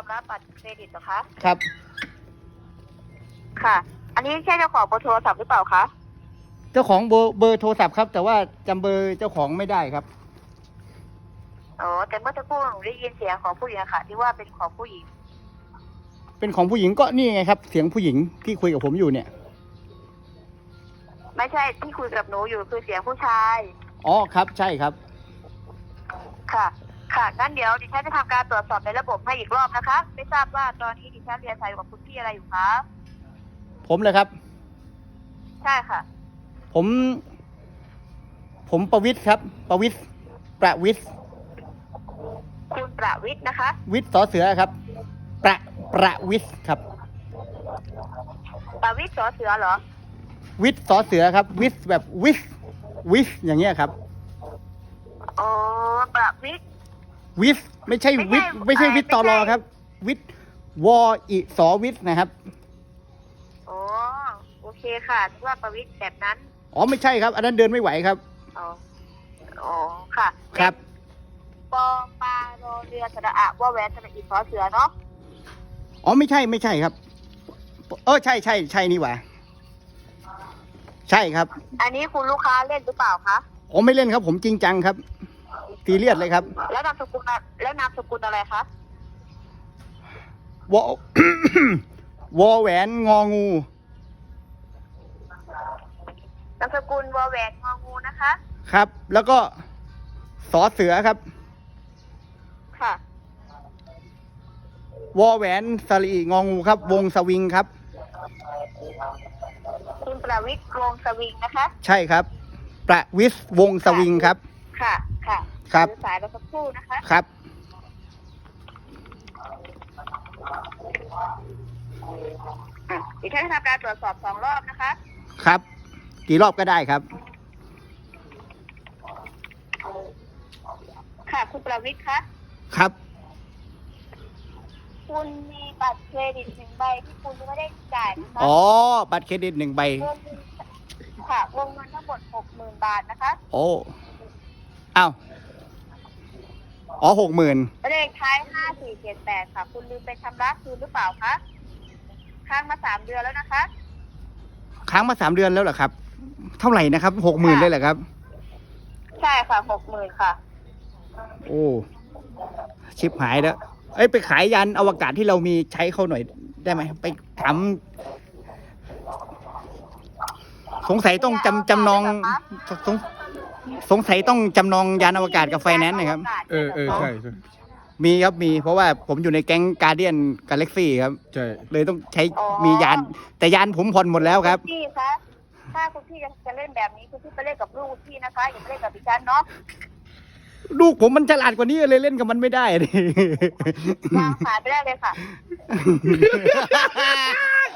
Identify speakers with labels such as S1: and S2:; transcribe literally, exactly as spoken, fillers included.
S1: รับบัตรเครดิตเหรอคะ
S2: ครับ
S1: ค่ะ อันนี้ใช่เจ้าของเบอร์โทรศัพท์หรือเปล่าคะ
S2: เจ้าของเบอร์เบอร์โทรศัพท์ครับ แต่ว่าจำเบอร์เจ้าของไม่ได้ครับ
S1: อ๋อ แต่เมื่อสักครู่หนูได้ยินเสียงของผู้หญิงอะค่ะ ที่ว่าเป็นของผู้หญิง
S2: เป็นของผู้หญิงก็นี่ไงครับ เสียงผู้หญิงที่คุยกับผมอยู่เนี่ย
S1: ไม่ใช่ที่คุยกับหนูอยู่คือเสียงผู้ชาย
S2: อ๋อครับใช่ครับ
S1: ค่ะ ค่ะ งั้นเดี๋ยวดิฉันจะทำการตรวจสอบในระบบให้อีกรอบนะคะ ไม่ทราบว่าตอนนี้ดิฉันเรียนสายกับคุณพี่อะไรอยู่คะ
S2: ผมเลยครับ
S1: ใช่ค่ะ
S2: ผม ผมประวิทย์ครับ ประวิทย์ประวิทย์
S1: คุณประวิทย์นะคะ
S2: วิทย์สอเสือครับ ประประวิทย์ครับ
S1: ประวิทย์สอเสือเหรอ
S2: วิทย์สอเสือครับ วิทย์แบบวิทย์วิทย์อย่างเงี้ยครับ
S1: อ๋อ ประวิทย์
S2: วิทย์ไม่ใช่วิทย์ไม่ใช่วิทย์ตอรอครับ วิทย์วออิสอวิทย์นะครับ
S1: อ๋อ โอเคค่ะนึกว่าประวิทย์แบบนั้น
S2: อ๋อไม่ใช่ครับ อันนั้นเดินไม่ไหวครับ
S1: อ๋อ อ๋อ ค่ะ
S2: ครับ
S1: ปอปลาโรเรือสระอะว่าแหวนสระอีสอเสือเนาะ
S2: อ๋อไม่ใช่ไม่ใช่ครับ เออใช่ใช่ใช่นี่หว่าใช่ครับ
S1: อันนี้คุณลูกค้าเล่นหรือเปล่าคะ
S2: อ๋อไม่เล่นครับ ผมจริงจังครับซีเรียสเลยครับ
S1: แล้วนามสกุลอะแล้วนามสกุลอะไรคะ
S2: วอ วอแหวนงองู
S1: นามสกุลวอแหวนงองูนะคะ
S2: ครับ แล้วก็สอเสือครับ
S1: ค่ะ
S2: วอแหวนสลีงองูครับ วงสวิงครับ
S1: คุณประวิทย์วงศ์สวิงนะคะ
S2: ใช่ครับ ประวิศวงสวิงครับ
S1: ค่ะ ค่ะ
S2: ครับ
S1: ถือสายเราสักครู่นะคะ
S2: ครับ
S1: อ่ะดิฉันจะทำการตรวจสอบสองรอบนะคะ
S2: ครับ กี่รอบก็ได้ครับ
S1: ค่ะ คุณประวิทย์คะ
S2: ครับ
S1: คุณมีบัตรเครดิตหนึ่งใบที่คุณยังไม่ได้จ่ายนะคะ
S2: อ๋อ บัตรเครดิตหนึ่งใบ
S1: วงค่ะวงเงินทั้งหมดหกหมื่นบาทนะคะ
S2: โอ้อ้าวอ๋อหกหมื่น
S1: เลขท้ายห้าสี่เจ็ดแปดค่ะ คุณลืมไปชำระคืนหรือเปล่าคะค้างมาสามเดือนแล้วนะคะ
S2: ค้างมาสามเดือนแล้วเหรอครับ เท่าไหร่นะครับหกหมื่นเลยเหรอครับ
S1: ใช่ค่ะหกหมื่นค่ะ
S2: โอ้ ชิบหายแล้ว เอ้ย ไปขายยานอวกาศที่เรามีใช้เขาหน่อยได้ไหม ไปทำสงสัยต้องจำจำนองสงสงสัยต้องจำนองยานอวกาศกับไฟแนนซ์นะครับ
S3: เออเออใช่ใช่
S2: มีครับมี เพราะว่าผมอยู่ในแก๊งการเดียนกาแล็กซี่ครับ
S3: ใช่
S2: เลยต้องใช้
S1: อ๋อ
S2: มียาน แต่ยานผมผ่อนหมดแล้วครับ
S1: ณพี่คะถ้าคุณพี่จะเล่นแบบนี้คุณพี่ไปเล่นกับลูกพี่นะคะอย่าไปเล่นกับดิฉันเนาะ
S2: ลูกผมมันฉลาดกว่านี้เลยเล่นกับมันไม่ได้ดิ
S1: วางสายไปได้เลยค่ะ